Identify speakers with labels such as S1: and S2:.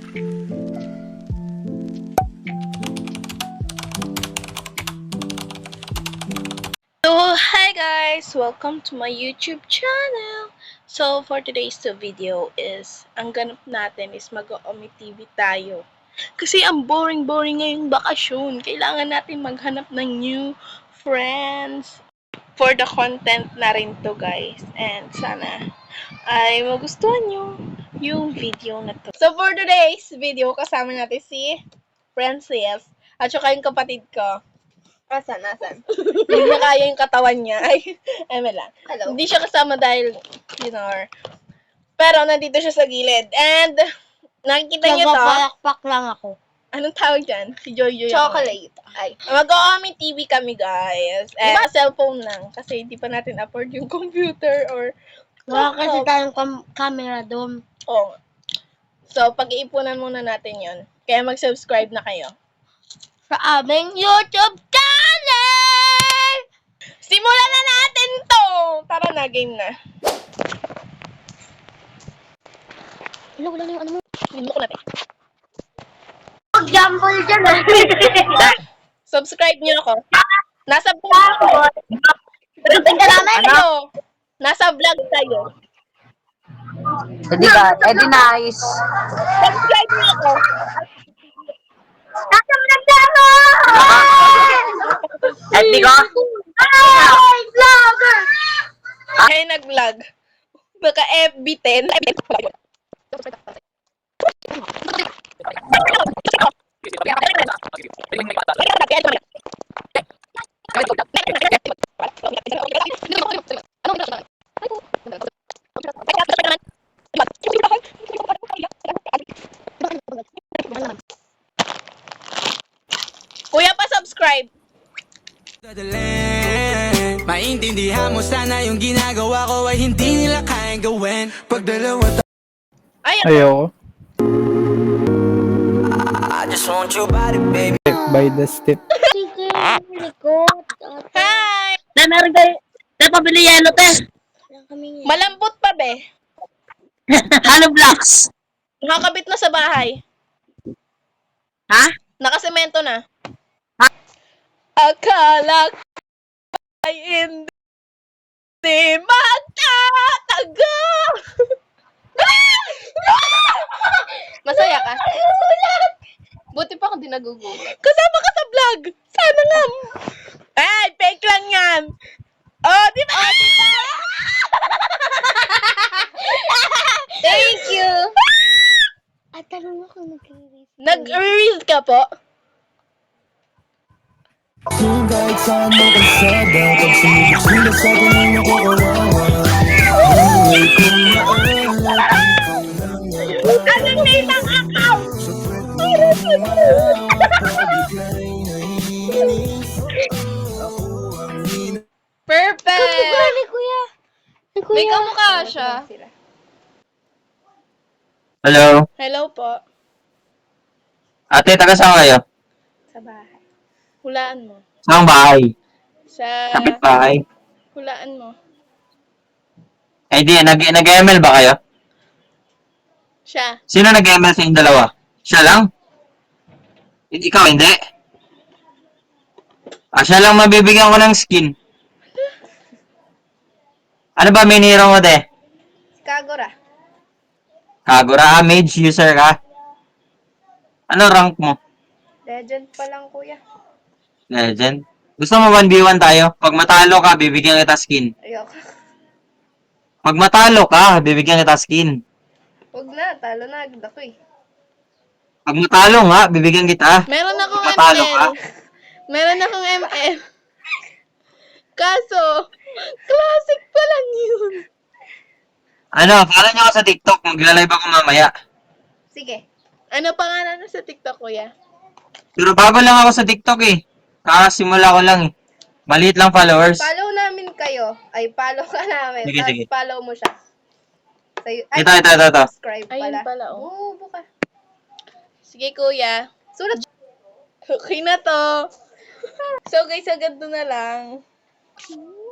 S1: So, hi guys! Welcome to my YouTube channel! So, for today's video is, ang ganap natin is mag-Omi TV tayo. Kasi ang boring-boring ngayong bakasyon. Kailangan natin maghanap ng new friends for the content na rin to guys. And sana ay magustuhan nyo yung video na to. So, for today's video, kasama natin si Francis at saka yung kapatid ko. Asan? Hindi niya kaya yung katawan niya. Ay, eme lang.
S2: Hello.
S1: Hindi siya kasama dahil, pero nandito siya sa gilid. And, nakikita niyo to.
S2: Nagpapalakpak lang ako.
S1: Anong tawag dyan? Si Joy.
S2: Chocolate. Ay.
S1: Mag-Omi TV kami, guys. Cellphone lang. Kasi hindi pa natin afford yung computer or...
S2: Wala kasi tayong camera doon.
S1: Oh. So, pag-iipunan muna natin yon. Kaya mag-subscribe na kayo.
S2: Sa aming YouTube channel!
S1: Simulan na natin to! Tara na, game na.
S2: Wala na yung ano mo.
S1: Limok natin.
S2: Mag-jumble dyan
S1: Subscribe niyo ako. Nasa vlog ako.
S2: Pagdating ka namin.
S1: Ano? Nasa vlog tayo.
S3: Edi nice.
S1: Subscribe niyo ako.
S2: Nasa vlog na ako!
S3: Edi ko?
S2: Ay! Vlogger!
S1: Kaya nag-vlog. Baka FB10. Kuya pa subscribe.
S4: Maintindihan mo sana yung ginagawa ko ay hindi nila kayang gawin. Pag dalawa
S5: Ayoko.
S4: I just want your body, baby.
S5: Step by the step.
S2: Sige, likod.
S1: Hi!
S3: Na meron kayo. Na pabili yelo, te.
S1: Malambot pa be.
S3: Hollow blocks.
S1: Nakakabit na sa bahay.
S3: Ha?
S1: Nakasemento na.
S3: Ha?
S1: Akala ko ay hindi magtatago. Masaya ka? Buti pa kung di nagugulat. Kasama ka sa vlog. Sana nga. Ay, fake lang yan. Oh, di ba? Thank you.
S2: At tanong mo kung nag-release.
S1: Nag-release ka po?
S4: Kahit saan mo kalsada, pag sumibig sila sa akin ay nakakawawa. Buhay kong maalala.
S1: Anong name ng account? Perfect!
S2: Kamukha ni Kuya. Ni Kuya.
S1: May kamukha siya.
S5: Hello?
S1: Hello po.
S5: Ate, taga saan kayo?
S1: Sa bahay. Hulaan mo.
S5: Saan bahay?
S1: Sa...
S5: Kapit bahay.
S1: Hulaan mo.
S5: Eh di, nag-ML ba kayo?
S1: Siya.
S5: Sino nag-ML sa inyong dalawa? Siya lang? Ikaw, hindi? Siya lang mabibigyan ko ng skin. Ano ba miniro mo, de?
S1: Kagura.
S5: Kagura, mage user ka? Ano rank mo?
S1: Legend pa lang, kuya.
S5: Legend? Gusto mo 1v1 tayo? Pag matalo ka, bibigyan kita skin.
S1: Ayoko.
S5: Pag matalo ka, bibigyan kita skin.
S1: Huwag na. Talo na agad ako eh.
S5: Pag matalo nga, bibigyan kita.
S1: Meron akong
S5: Matalo
S1: ML.
S5: ka?
S1: Meron akong ML. Kaso, classic pa lang yun.
S5: Ano, follow nyo ako sa TikTok. Magla-live ako mamaya.
S1: Sige. Ano pangalan na sa TikTok, kuya?
S5: Pero bago lang ako sa TikTok eh. Kakasimula ko lang eh. Maliit lang followers.
S1: Follow namin kayo. Ay, follow ka namin.
S5: Sige,
S1: Tapos
S5: sige.
S1: follow mo siya.
S5: Ito.
S1: Subscribe pala. Ayun pala, oh. Oo, buka. Sige, kuya. Sulat. Okay na to. So, guys, ganito na lang.